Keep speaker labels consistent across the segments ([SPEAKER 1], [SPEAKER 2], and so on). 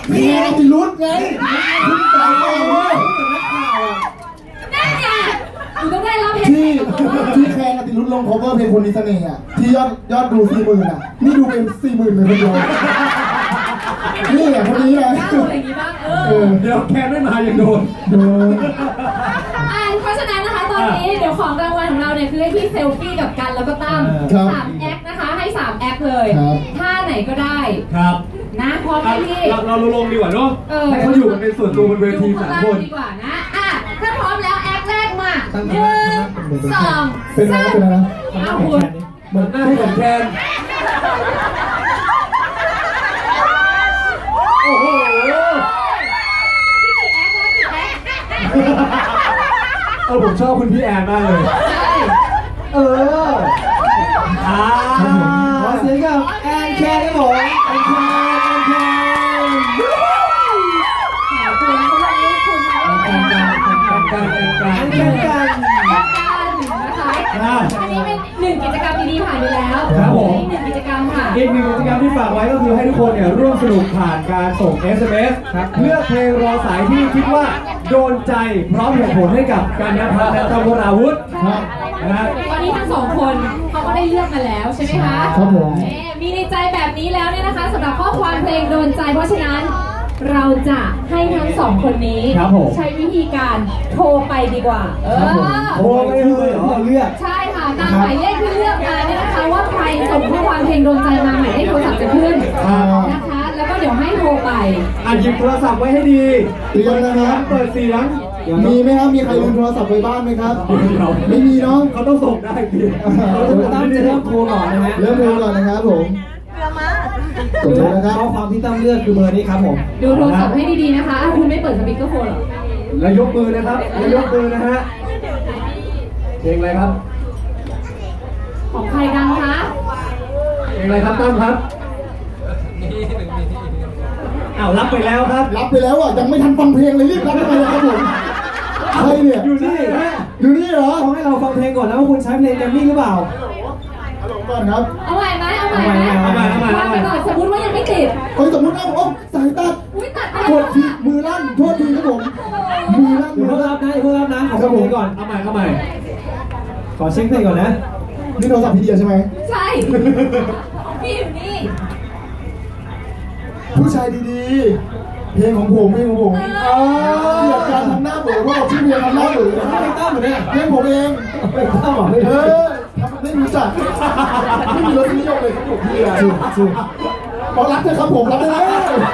[SPEAKER 1] พี่แอนติรุธไงคุณสาว
[SPEAKER 2] นั่นไงอยู่ต้องได้รับ
[SPEAKER 1] ที่แคนติรุธลง cover เพลงคนมีเสน่ห์อ่ะที่ยอดดู 40,000 อ่ะนี่ดูเป็น 40,000 เลยคนเดียวนี่แหละคนนี้แหละ
[SPEAKER 2] อะไรอย่างงี้บ้าง
[SPEAKER 3] เดี๋ยวแคนไม่มายังโดน
[SPEAKER 2] เพราะฉะนั้นนะคะตอนนี้เดี๋ยวของรางวัลของเราเนี่ยคือให้พี่เซลฟี่กับกันแล้วก็ตั้ม3 แอคนะคะให้3 แอคเลยท่าไหนก็ได้
[SPEAKER 3] ครับ
[SPEAKER 2] นะพร้อมไหมพี่
[SPEAKER 3] เราลงดีกว่าเนาะให้เขาอยู่กันเป็นส่วนตัวบนเวที3 คน
[SPEAKER 2] ดีกว่านะถ้าพร้อมแล้วแอคแรกมา1 2
[SPEAKER 1] เป็นอะไรนะ
[SPEAKER 2] เอาคุณ
[SPEAKER 3] เหมือนหน้าเหมือนแคนโอ้โหผมชอบคุณพี่แอนมากเลยขอ
[SPEAKER 1] เสียงกับแอนแคนครับผมแอนแคน
[SPEAKER 2] อันนี้เป็น1 กิจกรรมดีๆผ่านไปแล้วอีก1 กิจกรรมค่ะ
[SPEAKER 3] อีก1 กิจกรรมที่ฝากไว้ก็คือให้ทุกคนเนี่ยร่วมสนุกผ่านการส่ง SMS เลือกเพลงรอสายที่คิดว่าโดนใจพร้อมเหตุผลให้กับกันณภัทรและตั้มวราวุธ
[SPEAKER 2] วันนี้ทั้ง2 คนเขาก็ได้เลือกมาแล้วใช่ไหมคะ
[SPEAKER 1] ครับผม
[SPEAKER 2] มีในใจแบบนี้แล้วเนี่ยนะคะสำหรับข้อความเพลงโดนใจเพราะฉะนั้นเราจะให้ทั้ง2 คนนี้ใช้วิธีการโทรไปดีกว่า
[SPEAKER 1] โทรไปเลยเราเลือก
[SPEAKER 2] ใช่ค่ะตามหมายเลขที่เลือกมาเนี่ยนะคะว่าใครส่งข้อความเพลงโดนใจมาหมายเลขโทรศัพท์จะขึ้นนะคะแล้วก็เดี๋ยวให้โทรไป
[SPEAKER 3] หยิบโทรศัพท์ไว้ให้ดี
[SPEAKER 1] เตรียมนะครับ
[SPEAKER 3] เปิดเสียง
[SPEAKER 1] มีไหมครับมีใครลืมโทรศัพท์ไว้บ้านไหมครับไม่มีเนาะ
[SPEAKER 3] เขาต้องส่งได้ดี
[SPEAKER 1] ตั้มจะเริ่มโทรก่อนนะฮะเริ่มโทรก่อนนะครับผมดูนะครับข้อความที่ตั้มเลือกคือเบอร์นี้ครับผม
[SPEAKER 2] ดูโทรศัพท์ให้ดีๆนะคะคุณไม่เปิดสปีกเกอร์โฟนหรอ
[SPEAKER 3] แล้วยกมือนะครับแล้วยกมือนะฮะเพลงอะไรครับ
[SPEAKER 2] ของใครดังคะ
[SPEAKER 3] เพลงอะไรครับตั้มครับรับไปแล้วครับ
[SPEAKER 1] รับไปแล้วยังไม่ทันฟังเพลงเลยรีบรับไปเลยครับผมใครเนี่ย
[SPEAKER 3] อยู่นี่
[SPEAKER 1] เหรอ
[SPEAKER 3] เขาให้เราฟังเพลงก่อนนะว่าคุณใช้เพลงแกรมมี่หรือเปล่า
[SPEAKER 1] ก่อนครับ
[SPEAKER 2] เอาใหม่ไหมว่าไปก่อนสมมติว่ายังไม่ติด
[SPEAKER 1] สมมติว่าสายตัดกดทีมือลั่นโทษทีครับผมมือลั่น
[SPEAKER 3] เพิ่งรับนะขอฟังเพลงก่อนเอาใหม่ขอเช็คเพลงก่อนนะ
[SPEAKER 1] นี่โทรศัพท์พี่เดียใช่ไหม
[SPEAKER 2] ใช่พี่อยู่นี่
[SPEAKER 1] ผู้ชายดีๆเพลงของผมเกี่ยวกับการทำหน้าเบื่อเพราะชื่อเพลงทำหน้าเบื่อ
[SPEAKER 3] เพลงตั้มเหมือนเนี่ย
[SPEAKER 1] เพลงผมเองตั้มเหรอไม่รู้จักไม่มีรสนิยมเลยครับผมพี่อะพอรักเธอครับผมรักได้แล้ว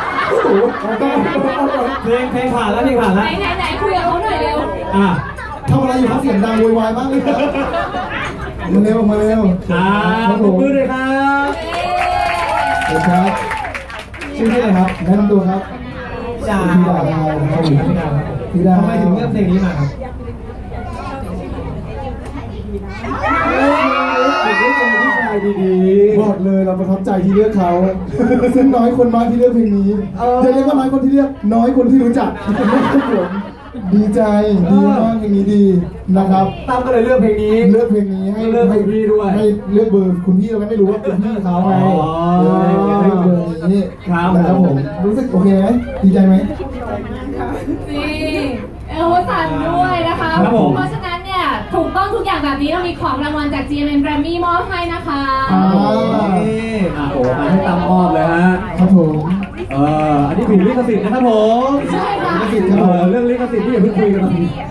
[SPEAKER 3] เพลงผ่านแล้วไหน
[SPEAKER 2] คุยกับเขาหน่อยเร็ว
[SPEAKER 1] ทำอะไรอยู่ครับเสียงดังโวยวายมากเลยครับมาเร็ว
[SPEAKER 3] ขอบคุณเลยครับ
[SPEAKER 1] ครับชื่ออะไรครับแนะนำตัวครับ
[SPEAKER 3] ดาวทำไมถึงเลือกเพลงนี้มาครับ
[SPEAKER 1] บอกเลยเราประทับใจที่เลือกเขาซึ่งน้อยคนมากที่เลือกเพลงนี้จะเรียกว่าน้อยคนที่เลือกน้อยคนที่รู้จักดีใจดีมากเพลงนี้ดีนะครับ
[SPEAKER 3] ตั้มก็เลยเลือกเพลงนี้
[SPEAKER 1] ให้เลือกพี่ด้วยให้เลือกเบอร์คุณพี่เราไม่รู้ว่าเป็นพี่เขาไงให้เบอร์นี้นะครับผมรู้สึกโอเคไหมดีใจไหม
[SPEAKER 2] นี่สั่นด้วยนะคะเพราะฉะนั้นเนี่ยถูกต้องทุกอย่างแบบนี้เรามีของรางวัลจาก GMM Grammy มอบให้นะคะ
[SPEAKER 3] ให้ตั้มมอบเลยฮะ
[SPEAKER 1] ครับผม
[SPEAKER 3] อันนี้ถูกลิขสิทธิ์นะครับผม
[SPEAKER 2] ใช่ค่ะ
[SPEAKER 1] ลิขสิทธิ์ครับ
[SPEAKER 3] เรื่องลิขสิทธิ์ที่อย่าเพิ่งคุยกัน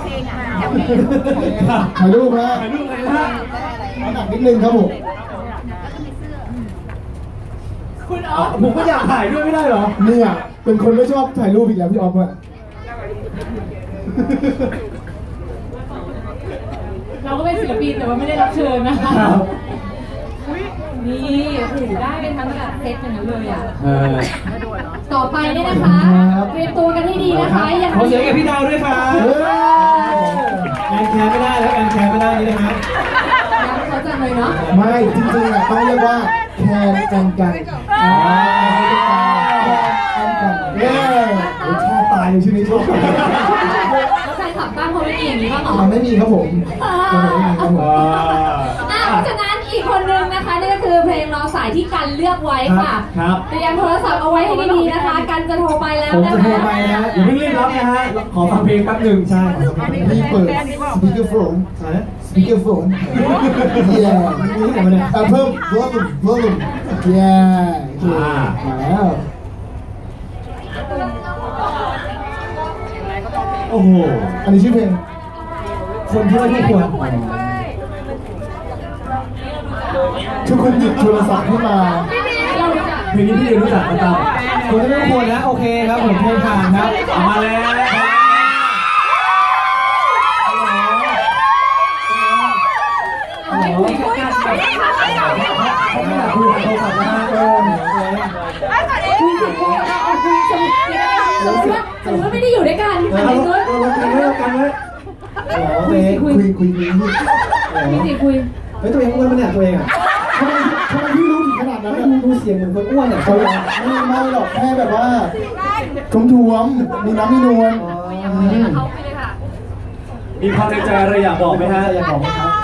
[SPEAKER 1] ถ่ายรูปนะหนักนิดนึงครับผม
[SPEAKER 2] คุณออฟ
[SPEAKER 3] ผมก็อยากถ่ายด้วยไม่ได้เหรอ
[SPEAKER 1] เนี่ยเป็นคนไม่ชอบถ่ายรูปอีกแล้วพี่ออฟอะ
[SPEAKER 2] เราก็เป็นศิลปินแต่ว่าไม่ได้รับเชิญนะคะนี่ถือได้เป็นทั้งแบบเซตอย่างนั้นเลยอ่ะต่อไปเนี่ยนะคะเตรียมตัวกันให้ดีนะคะ
[SPEAKER 3] อย่างขอเสียงกับพี่ดาวด้วยค่ะแอนแคร์ไม่ได้แล้วแอนแคร์ไม่ได้นี่นะฮะ
[SPEAKER 2] เขาจะเลยเนาะ
[SPEAKER 1] ไม่จริงๆอ่ะต้องเรียกว่าแคร์กันชอบตายในชื่อนี้ชอบ
[SPEAKER 2] ใครขับบ้านเขาไม่มีอย่างนี้บ้างหรอ
[SPEAKER 1] ไม่มีครับผม
[SPEAKER 2] เพราะฉะนั้นอีกคนนึงนะคะนี่ก็คือเพลงรอสายที่กันเลือกไว้ค่ะเตรียมโทรศัพท์เอาไว้ให้ดีๆนะคะกันกันจะโทรไปแล้ว
[SPEAKER 3] ผม
[SPEAKER 2] นะ
[SPEAKER 3] จะโทร
[SPEAKER 2] คะ
[SPEAKER 3] ไปนะอย่าเพิ่งรีบรับนะฮะขอฟังเพลงแป๊บหนึ่งใช่
[SPEAKER 1] นี่เปิดสปีกเกอร์โฟนสปีกเกอร์โฟนเย้เพิ่ม volumeเย้มาแล้ว
[SPEAKER 3] โอ้โห
[SPEAKER 1] อันนี้ชื่อเพลง
[SPEAKER 3] คนที่ไม่ควร
[SPEAKER 1] ทุกคนหยิบโทรศัพท์ขึ้นมา
[SPEAKER 3] เพลงนี้พี่รู้จักกันตามคนที่ไม่ควรนะโอเคครับผมเพลงผ่านครับมาแล้วคุยกันกันเขาไม่อยากคุยกับโทรศัพท์นะ
[SPEAKER 2] คุยสิเอาคุยสมมติว่าไม่ได้อยู่ด้วยกันอะไรเงี้ย
[SPEAKER 3] เรากันไว้กันไว้
[SPEAKER 1] คุย
[SPEAKER 2] คุยสิคุย
[SPEAKER 3] เฮ้ยตัวเองอ้วนปะเนี่ยตัวเองอ่ะ
[SPEAKER 1] ทำไมพี่รู้ถึงขนาดนั้น
[SPEAKER 3] ดูเสียงเหมือนคนอ้วนเนี่ย
[SPEAKER 1] เขาไม่หรอกแค่แบบว่าทุ่มมีน้ำมีนวล
[SPEAKER 3] มีความในใจอะไรอยากบอกไหมฮะอยากบอกไหมครับ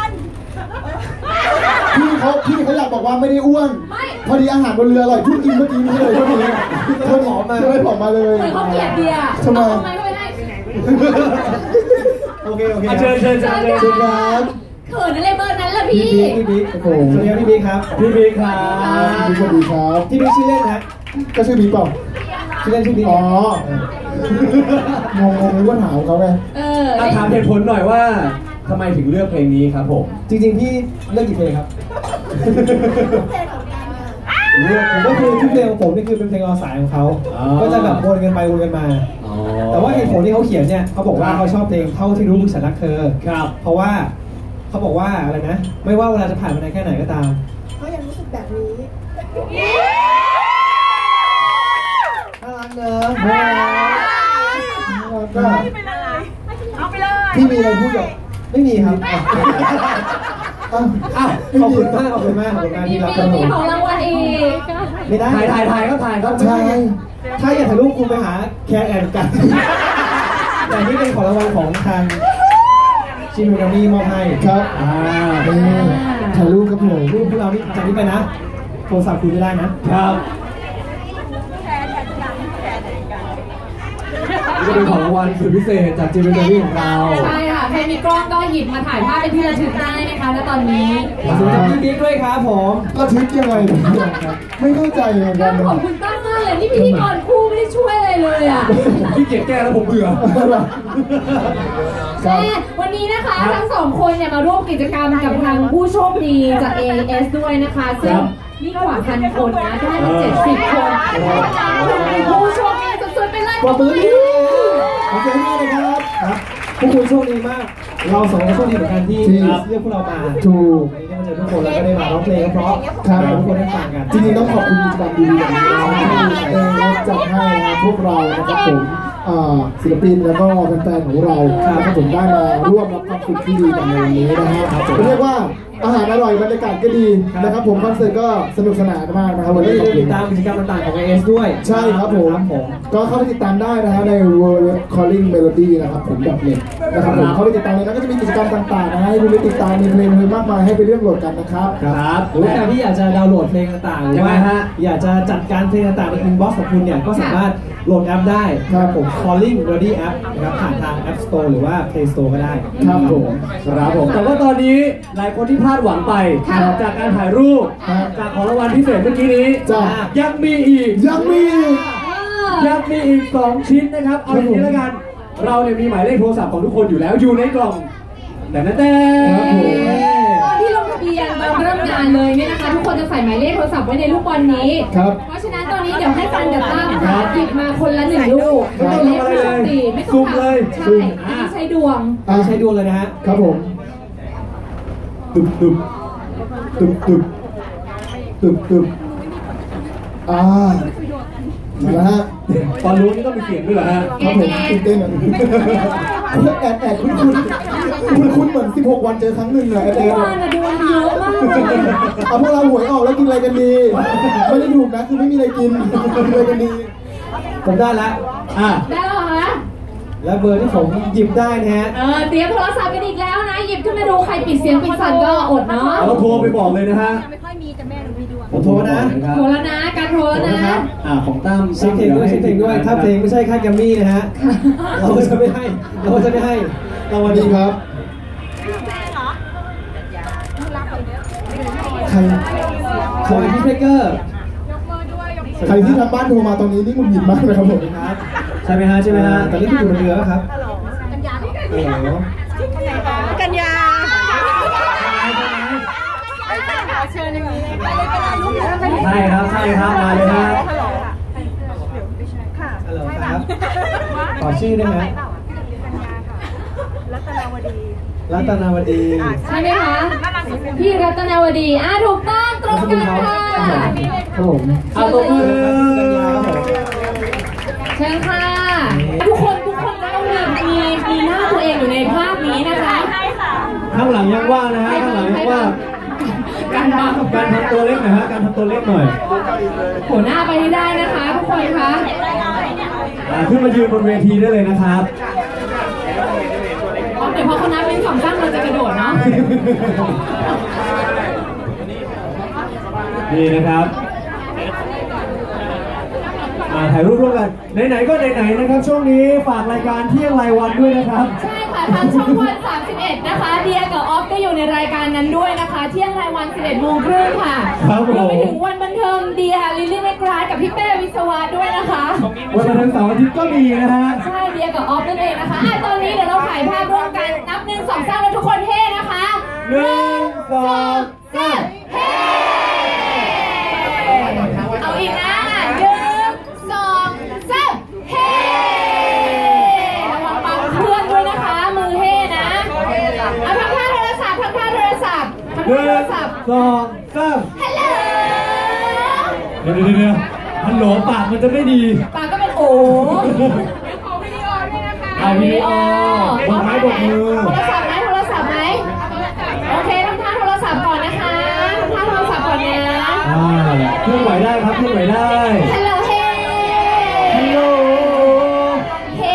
[SPEAKER 1] พี่เขาอยากบอกว่าไม่ได้อ้วนพอดีอาหารบนเรืออร่อยทุกกินเมื่อกี้นี้เลยก็เลยผอมมาเลยผอมมาเลย
[SPEAKER 2] เขาเกลียดเบียร์
[SPEAKER 1] ทำไม
[SPEAKER 3] โอเคเชิญ
[SPEAKER 1] ครับ
[SPEAKER 2] เขินอะไรเบอร์นั้นล่ะพี่
[SPEAKER 3] บิ๊กโอ้โหสวัสดีครับพี่บิ๊กครับพี่บิ๊กครับ
[SPEAKER 1] สวัสดีครับ
[SPEAKER 3] พี่บิ๊กชื่อเล่นนะ
[SPEAKER 1] ก็ชื่อบิ๊กเปล่า
[SPEAKER 3] ชื่อเล่นชื่อบิ๊ก
[SPEAKER 1] อ๋องงว่าถามเขาไง
[SPEAKER 3] ถามเหตุผลหน่อยว่าทำไมถึงเลือกเพลงนี้ครับผมจริงๆพี่เลือกกี่เพลงครับเลือกผมก็คือทุกเพลงของผมนี่คือเป็นเพลงรอสายของเขาก็จะแบบวนกันไปวนกันมาแต่ว่าเหตุผลที่เขาเขียนเนี่ยเขาบอกว่าเขาชอบเพลงเท่าที่รู้มึงฉันรักเธอครับเพราะว่าเขาบอกว่าอะไรนะไม่ว่าเวลาจะผ่านไปนานแค่ไหนก็ตาม
[SPEAKER 4] เขายังรู้สึกแบบนี้
[SPEAKER 1] น่ารักเนอะก็
[SPEAKER 4] เอาไปเลย
[SPEAKER 1] พี่มีอะไรพูดกับ
[SPEAKER 3] ไม่มีครับขอบคุณมากที่รับกันผม
[SPEAKER 2] ของรางวัลอีก
[SPEAKER 3] ไม่ได้ถ่ายก็ถ่ายครับใช่ถ้าอยากถ่ายรูปคุณไปหาแคร์แอนกันแต่นี่เป็นของรางวัลของทางชิมิโนมี่มอบให้
[SPEAKER 1] ครับถ่ายรูปครับผม
[SPEAKER 3] รูปพวกเรานี่จากนี้ไปนะโทรศัพท์คุยไม่ได้นะครับนี่เป็นของรางวัลสุดพิเศษจากจิมเบอร์รี่ของเรา
[SPEAKER 2] ใช่ค่ะใครมีกล้องก็หยิบมาถ่ายภาพเป็นที่ระลึกได้นะคะณตอนนี้
[SPEAKER 3] ขอบคุณพี่บิ๊กด้วยครับผม
[SPEAKER 1] ระทึกยังไงไม่เข้าใจเหมือนกัน
[SPEAKER 2] ขอบคุณตั้งมากเลยนี่พิธีกรคู่ไม่ได้ช่วยอะไรเลยอ่ะ
[SPEAKER 3] พี่เกียรแก้แล้วผมเบื่อ
[SPEAKER 2] วันนี้นะคะทั้งสองคนเนี่ยมาร่วมกิจกรรมกับทางผู้โชคดีจาก AS ด้วยนะคะซึ่งนี่กว่า1,000 คนนะได้มา70 คนผู้โชคดีสุดๆไปเลย
[SPEAKER 1] ขอบคุณโอเคมากเลยครับ
[SPEAKER 3] พวกคุณโชคดีมากเราสองคนโชคดีเหมือนกันที่เรียกพวกเรามา
[SPEAKER 1] ถูก
[SPEAKER 3] ได้มาเจอทุกคนแล้วก็ได้มาร้องเพลงเพราะทุกคนได้ฟังกัน
[SPEAKER 1] จริงๆต้องขอบคุณกิจกรรมดีๆอย่างนี้ที่จัดให้พวกเรานะครับผมศิลปินแล้วก็แฟนๆของเราครับผมได้มาร่วมรับความสุขที่ดีกันในวันนี้นะฮะเรียกว่าอาหารอร่อยบรรยากาศก็ดีนะครับผมคอนเสิร์ตก็สนุกสนานมากนะครับวันนี้
[SPEAKER 3] ติดตามกิจกรรมต่างๆของ AS ด้วย
[SPEAKER 1] ใช่ครับผมก็เข้าไปติดตามได้นะฮะใน World Calling Melody นะครับผมแบบเน็ตนะครับผมเข้าไปติดตามเลยนะก็จะมีกิจกรรมต่างๆนะให้คุณไปติดตามมีเพลงมากมายให้ไปเลือกโหลดกันนะครับ
[SPEAKER 3] หรือใครที่อยากจะดาวน์โหลดเพลงต่างๆหรือว่าอยากจะจัดการเพลงต่างๆในอินบ็อกซ์ของคุณเนี่ยก็สามารถโหลดแอปได้ครับผม Calling Melody App นะครับผ่านทาง App Store หรือว่า Play Store ก็ได้
[SPEAKER 1] ครับผม
[SPEAKER 3] แต่ว่าตอนนี้หลายคนที่พลาดหวังไปจากการถ่ายรูปจากของรางวัลพิเศษเมื่อกี้นี้ยังมีอีก2 ชิ้นนะครับเอาอย่างนี้แล้วกันเราเนี่ยมีหมายเลขโทรศัพท์ของทุกคนอยู่แล้วอยู่ในกล่องแต่
[SPEAKER 2] ตอนที่ลงทะเบียนตอนเริ่มงานเลยเนี่ยนะคะทุกคนจะใส่หมายเลขโทรศัพท์ไว้ในลูกบอลนี้เพราะฉะนั้นตอนนี้เดี๋ยวให้ฟันกับตั้มหยิบมาคนละ1 ลูก
[SPEAKER 3] ไม่ต้องทำอะไรเลย
[SPEAKER 2] ไม่ต้องทำเลยใช้ดวง
[SPEAKER 3] เลยนะฮะ
[SPEAKER 1] ครับผมตึบมาแล้วฮะ
[SPEAKER 3] ตอนรู้นี่ต้องมีเสียงด้วยเหรอฮะ
[SPEAKER 1] ครับผมตื่นเต้นอ่ะแอบคุ้นเหมือน16 วันเจอครั้งหนึ่งเลย
[SPEAKER 2] ดวงเยอะมาก
[SPEAKER 1] เอาพวกเราหวยออกแล้วกินอะไรกันดีไม่ได้ถูกนะคือไม่มีอะไรกินอะไรกันดี
[SPEAKER 3] ผมได้แล้ว
[SPEAKER 2] ได้แล้วเหรอ
[SPEAKER 3] และเบอร์ที่ผมหยิบได้นะฮะ
[SPEAKER 2] เตรียมโทรศัพท์กันอีกแล้วนะหยิบขึ้นมาดูใครปิดเสียงปิดสั่นก็อดเนาะ
[SPEAKER 5] เราโทรไปบอกเลยนะฮะ
[SPEAKER 4] ไม่ค่อยมีแต่แม่หนูมีดวง
[SPEAKER 3] ผมโทรนะ
[SPEAKER 2] โทรแล้วนะการโทรแล้วนะ
[SPEAKER 5] ของตั้ม
[SPEAKER 3] เช็คเพลงด้วยเช็คเพลงด้วยถ้าเพลงไม่ใช่ค่ายแกรมมี่นะฮะเราจะไม่ให้รางวัลดีครับใครพี่เพกเกอร์
[SPEAKER 1] ใครที่ทำบ้านโทรมาตอนนี้นี่มุนหยิบมากเลยครับผม
[SPEAKER 3] ครับใช่ไหมฮะตอนนี้คุณอยู่บนเรือป่ะครับ
[SPEAKER 4] กัญญาเชิญอย่างนี้เลย
[SPEAKER 5] ใช่ครับมาเลยฮะ
[SPEAKER 3] ฮัลโหลครับขอชื่อได้ไหมรัตนาวดี
[SPEAKER 2] ใช่ไหมคะพี่รัตนาวดีถูกต้องตรงกันค่ะ
[SPEAKER 1] ครับผม
[SPEAKER 5] เอาตบมือ
[SPEAKER 2] เชิญค่ะทุกคนต้องมีหน้าตัวเองอยู่ในภาพนี้นะคะ
[SPEAKER 5] ข้างหลังยังว่างนะฮะข้างหลังยังว่าง
[SPEAKER 2] การทำ
[SPEAKER 5] การทำตัวเล็กหน่อยฮะการทำตัวเล็กหน่อย
[SPEAKER 2] หัวหน้าไปให้ได้นะคะทุกคนคะ
[SPEAKER 5] ขึ้นมายืนบนเวทีได้เลยนะครับ
[SPEAKER 2] เดี๋ยวพอคณะเป็นสองตั้งเราจะกระโดดเนาะ
[SPEAKER 5] นี่นะครับถ่ายรูปร่วมกันไหนๆก็ไหนๆนะครับช่วงนี้ฝากรายการเที่ยงรายวันด้วยนะครับ
[SPEAKER 2] ใช่ค่ะทางช่องวัน31นะคะเดียกับออฟก็อยู่ในรายการนั้นด้วยนะคะเที่ยงรายวัน 11 โมงครึ่งค่ะ
[SPEAKER 5] ครับผม
[SPEAKER 2] รวมไปถึงวันบันเทิงเดียลิลลี่แมกราดกับพี่เป้วิศวะด้วยนะคะ
[SPEAKER 5] วันบันเทิงเสาร์อาทิตย์ก็มีนะฮะ
[SPEAKER 2] ใช่เดียกับออฟนั่นเองนะคะตอนนี้เดี๋ยวเราถ่ายภาพร่วมกันนับ1 2 3แล้วทุกคนเท่นะคะ
[SPEAKER 5] 1 2 3
[SPEAKER 2] เฮ้เอาอีกนะ1 2 3เฮ้ระวังปังเพื่อนด้วยนะคะมือเฮ่นะเอาทำท่าโทรศัพท์ทำท่าโทรศัพท์ทำท่าโทรศัพท์
[SPEAKER 5] 1 2 3
[SPEAKER 2] ฮัลโหล
[SPEAKER 5] เดี๋ยวฮัลโหลปากมันจะไม่ดี
[SPEAKER 2] ปากก็เป็นโอ้
[SPEAKER 5] เอาวิดีโอบอกไม้บอกมือ
[SPEAKER 2] โทรศัพท์ไหมโอเคทำท่าโทรศัพท์ก่อนนะคะทำท่าโทรศัพท์ก่อนนะ
[SPEAKER 5] เคลื่อนไหวได้ครับเคลื่อนไหวได้
[SPEAKER 2] ฮัลโหลเฮ้
[SPEAKER 5] ฮัลโหล
[SPEAKER 2] เฮ้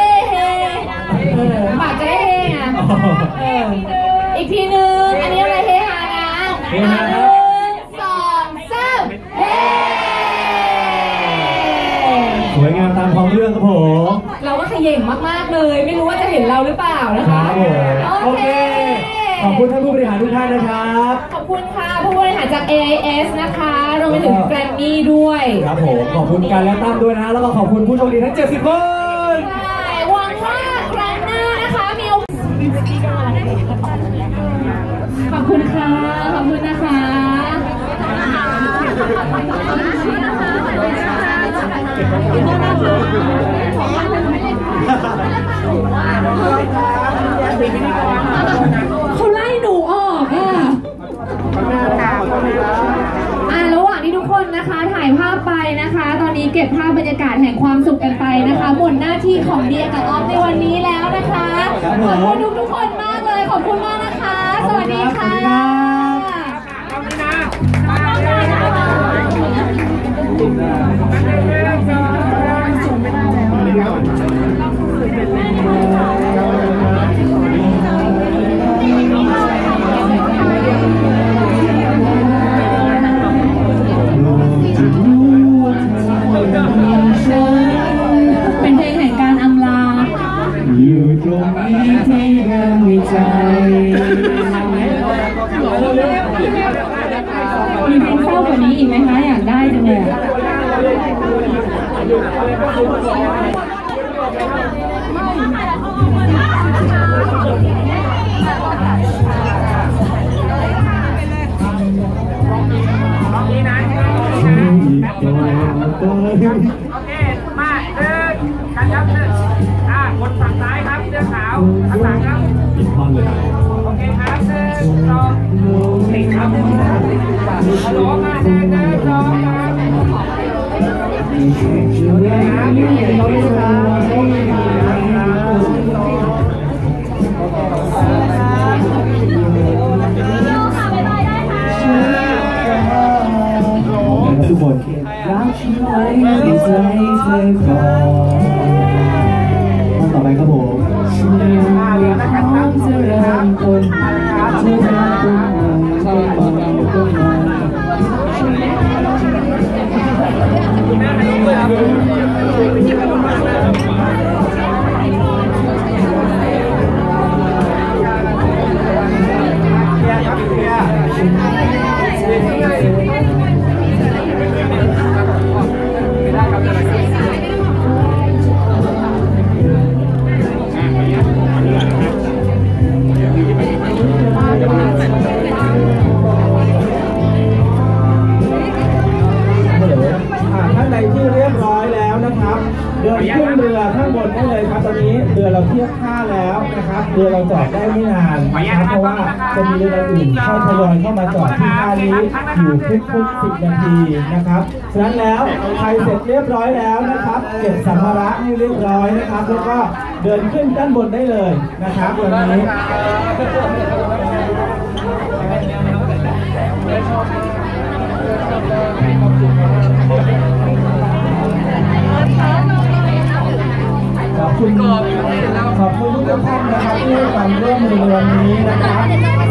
[SPEAKER 2] ปากจะได้เฮ้ไงอีกทีนึงอันนี้อะไรเฮ้ฮานะ1 2 3เฮ้
[SPEAKER 5] สวยงามตามท้องเรื่องครับผม
[SPEAKER 2] เราก็ขย่งมากๆเลย ไม่รู้ว่าจะเห็นเราหรือเปล่านะ
[SPEAKER 5] ค
[SPEAKER 2] คะ
[SPEAKER 5] รับผมโอเคขอบคุณท่านผู้บริหารทุกท่านนะครับ
[SPEAKER 2] ขอบคุณค่ะผู้บริหารจาก AIS นะคะรวมไปถึงแกรมมี่ด้วย
[SPEAKER 5] ครับผมขอบคุณการและตั้มด้วยนะแล้วก็ขอบคุณผู้โชคดีทั้ง70 คน
[SPEAKER 2] ใช่หวังว่าครั้งหน้านะคะมีโอกาสขอบคุณค่ะขอบคุณนะคะเขาไล่หนูออกระหว่างที่ทุกคนนะคะถ่ายภาพไปนะคะ ตอนนี้เก็บภาพบรรยากาศแห่งความสุขกันไปนะคะหมดหน้าที่ของเดียกับออฟในวันนี้แล้วนะคะขอบคุณทุกคนมากเลยขอบคุณมากนะคะ สวัสดีค่ะเป็นเพลงแห่งการอำลาอยู่ตรงนี้ที่ยังมีใจมีเพลงเศร้ากว่านี้อีกไหมคะอยากได้จังเลย
[SPEAKER 6] โอเค มากันครับคนฝั่งซ้ายครับเสื้อขาวข้างหลังครับ
[SPEAKER 5] อีกท่อนเลยครับ
[SPEAKER 6] โอเคครับ1 2 4ครับฮัลโหลมา1 2ครับ
[SPEAKER 5] ทุกคนรักฉันไว้ในใจเธอก่อนต่อไปก็เดินขึ้นเรือข้างบนได้เลยครับตอนนี้เรือเราเทียบท่าแล้วนะครับเรือเราจอดได้ไม่นานนะครับเพราะว่าจะมีเรืออื่นเข้าทยอยเข้ามาจอดที่ท่านี้อยู่ทุกๆ10 นาทีนะครับฉะนั้นแล้วใครเสร็จเรียบร้อยแล้วนะครับเก็บสัมภาระให้เรียบร้อยนะครับแล้วก็เดินขึ้นด้านบนได้เลยนะครับตอนนี้ขอบคุณทุกท่านนะครับที่ให้ความร่วมมือในวันนี้นะครับ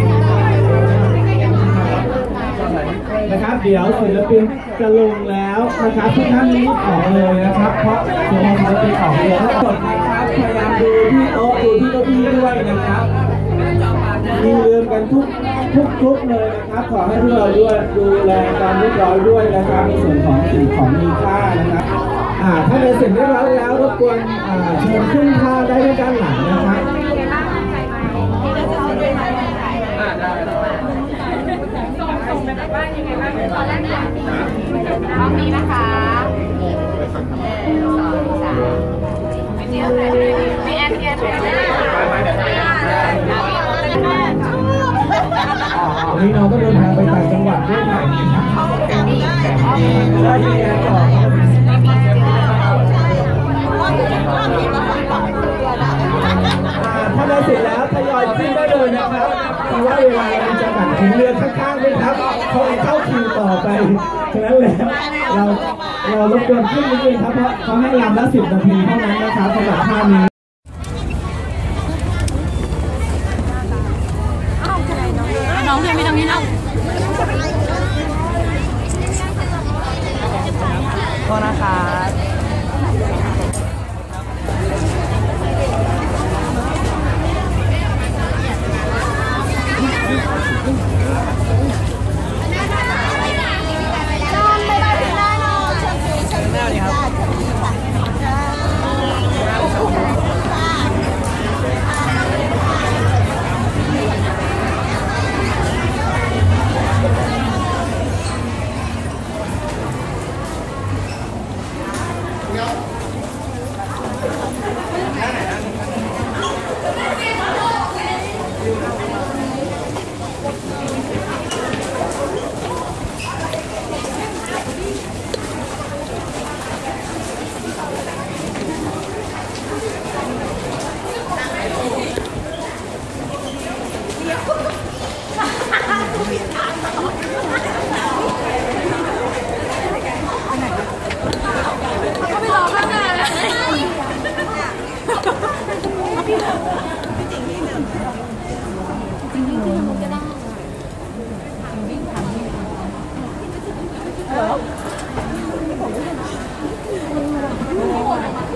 [SPEAKER 5] เดี๋ยวศิลปินจะลงแล้วนะครับทุกท่านรีบออกเลยนะครับเพราะเดี๋ยวศิลปินออกเรือทั้งหมดนะครับพยายามดูที่โต๊ะดูที่เก้าอี้ด้วยนะครับมีลืมกันทุกเลยนะครับขอให้พวกเราด้วยดูแลการเรียบร้อยด้วยนะครับในส่วนของสิ่งของมีค่านะครับถ้าในเสร็จเรียบร้อยแล้วรบกวนเชิญขึ้นท่าได้ด้านหลังนะครับ
[SPEAKER 4] ห้องนี้นะคะมีแอน
[SPEAKER 5] วันนี้เราก็เดินทางไปต่างจังหวัดด้วยนะได้ยังไงต่อถ้าได้เสร็จแล้วทยอยขึ้นได้เลยนะครับเพราะว่าเวลาเราจะตัดถึงเรือข้างๆด้วยครับเขาเข้าคิวต่อไปฉะนั้นแล้วเรารบกวนขึ้นนิดนึงครับเพราะเขาให้ลำละ10 นาทีเท่านั้นนะครับสำหรับท่านี้
[SPEAKER 4] น้องเพียงไม่ตรงนี้น้องโทษนะคะ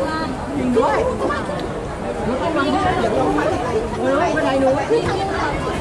[SPEAKER 2] ด้วย